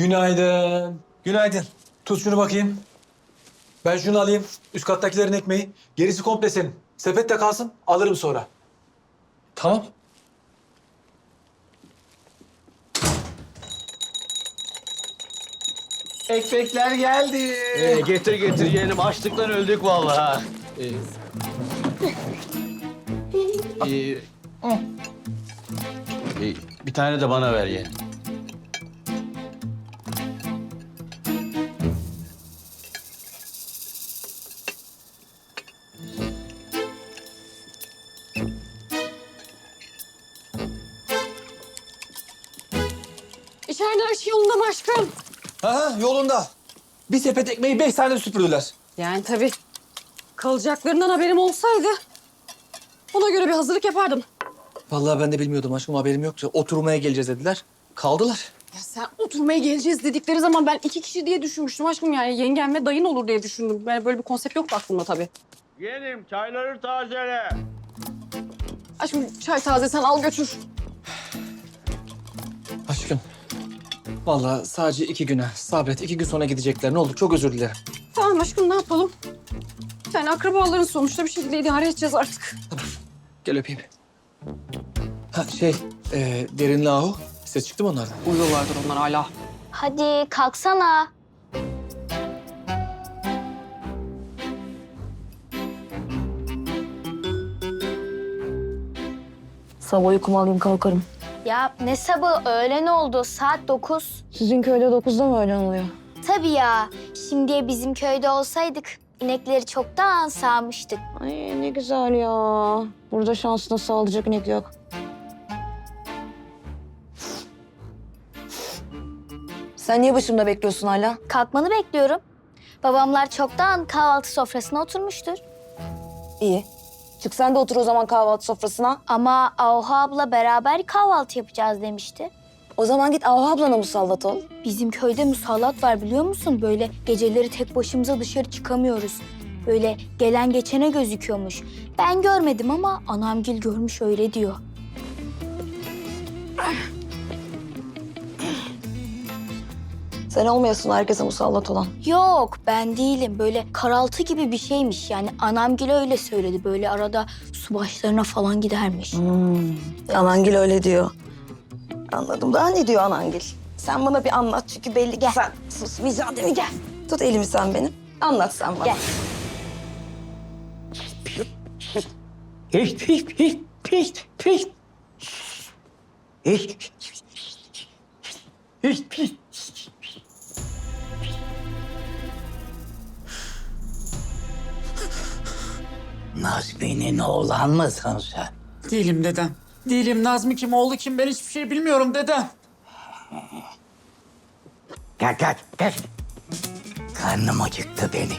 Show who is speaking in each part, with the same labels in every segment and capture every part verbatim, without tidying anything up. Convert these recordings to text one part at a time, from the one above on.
Speaker 1: Günaydın. Günaydın. Tut şunu bakayım. Ben şunu alayım. Üst kattakilerin ekmeği. Gerisi komple senin. Sepette kalsın. Alırım sonra. Tamam.
Speaker 2: Ekmekler geldi.
Speaker 3: Ee, getir getir yeğenim. Açlıktan öldük vallahi. Ee, ee, ee, bir tane de bana ver yeğenim.
Speaker 4: İçeride her şey yolunda mı aşkım?
Speaker 1: Ha yolunda. Bir sepet ekmeği beş tane süpürdüler.
Speaker 4: Yani tabii kalacaklarından haberim olsaydı ona göre bir hazırlık yapardım.
Speaker 1: Vallahi ben de bilmiyordum aşkım, haberim yoktu. Oturmaya geleceğiz dediler. Kaldılar.
Speaker 4: Ya sen oturmaya geleceğiz dedikleri zaman ben iki kişi diye düşünmüştüm aşkım, yani yengem ve dayın olur diye düşündüm. Yani böyle bir konsept yoktu aklımda tabii.
Speaker 3: Yeğenim çayları tazele.
Speaker 4: Aşkım çay taze, sen al götür.
Speaker 1: Aşkım. Vallahi sadece iki güne sabret. İki gün sonra gidecekler. Ne olur, çok özür dilerim.
Speaker 4: Tamam aşkım, ne yapalım? Yani akrabaların sonuçta, bir şekilde idare edeceğiz artık.
Speaker 1: Gel öpeyim. Ha şey, e, Derin'le Ahu. Ses çıktı mı onlardan?
Speaker 4: Uyuyorlardır onlar hala.
Speaker 5: Hadi kalksana.
Speaker 6: Sabah uykumu alayım kalkarım.
Speaker 5: Ya ne sabah, öğlen oldu, saat dokuz.
Speaker 6: Sizin köyde dokuzda mı öğlen oluyor?
Speaker 5: Tabii ya, şimdiye bizim köyde olsaydık inekleri çoktan sağmıştık.
Speaker 6: Ay ne güzel ya. Burada şansına sağlayacak inek yok. Sen niye başımda bekliyorsun hala?
Speaker 5: Kalkmanı bekliyorum. Babamlar çoktan kahvaltı sofrasına oturmuştur.
Speaker 6: İyi. Çık sen de otur o zaman kahvaltı sofrasına.
Speaker 5: Ama Ahu abla beraber kahvaltı yapacağız demişti.
Speaker 6: O zaman git Ahu ablana musallat ol.
Speaker 5: Bizim köyde musallat var biliyor musun? Böyle geceleri tek başımıza dışarı çıkamıyoruz. Böyle gelen geçene gözüküyormuş. Ben görmedim ama anamgil görmüş, öyle diyor.
Speaker 6: Sen olmayasın herkese musallat olan.
Speaker 5: Yok, ben değilim. Böyle karaltı gibi bir şeymiş. Yani anamgil öyle söyledi. Böyle arada su başlarına falan gidermiş.
Speaker 6: Hmm. Anangil öyle diyor. Anladım. Daha ne diyor Anangil? Sen bana bir anlat çünkü belli. Gel. Sen susmayacaksın değil mi? Gel. Tut elimi sen benim. Anlat sen bana.
Speaker 5: Gel.
Speaker 3: Hiç hiç hiç hiç hiç. Hiç hiç hiç.
Speaker 2: Nazmi'nin oğlan mısın sen?
Speaker 7: Değilim dedem. Değilim. Nazmi kim, oğlu kim, ben hiçbir şey bilmiyorum dedem.
Speaker 2: Gel gel gel. Karnım acıktı benim.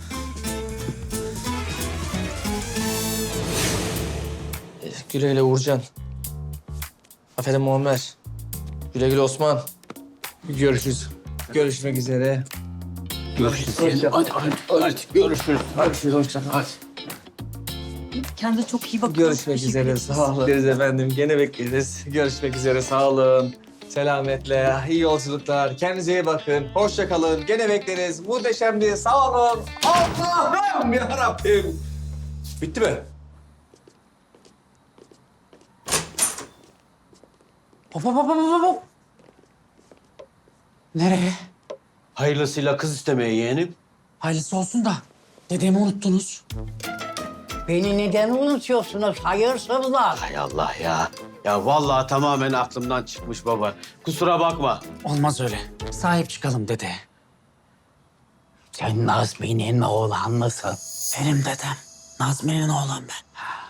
Speaker 1: Güle güle Uğurcan. Aferin Muammer. Güle güle Osman. Görüşürüz. Görüşmek üzere.
Speaker 3: Görüşürüz. Hadi hadi hadi görüşürüz.
Speaker 1: Hadi hoşça kal.
Speaker 4: Kendine çok iyi bak.
Speaker 1: Görüşmek üzere. Sağ olun. Bekleriz efendim. Gene bekleriz. Görüşmek üzere. Sağ olun. Selametle. İyi yolculuklar. Kendinize iyi bakın. Hoşça kalın. Gene bekleriz. Muhteşemdi. Sağ olun. Allah'ım yarabbim. Bitti mi?
Speaker 7: Hop hop hop hop hop. Nereye?
Speaker 3: Hayırlısıyla kız istemeye yeğenim.
Speaker 7: Hayırlısı olsun da dedemi unuttunuz.
Speaker 8: Beni neden unutuyorsunuz hayırsızlar?
Speaker 3: Hay Allah ya. Ya vallahi tamamen aklımdan çıkmış baba. Kusura bakma.
Speaker 7: Olmaz öyle. Sahip çıkalım dede.
Speaker 8: Sen Nazmi'nin oğlan mısın?
Speaker 7: Benim dedem. Nazmi'nin oğlan ben.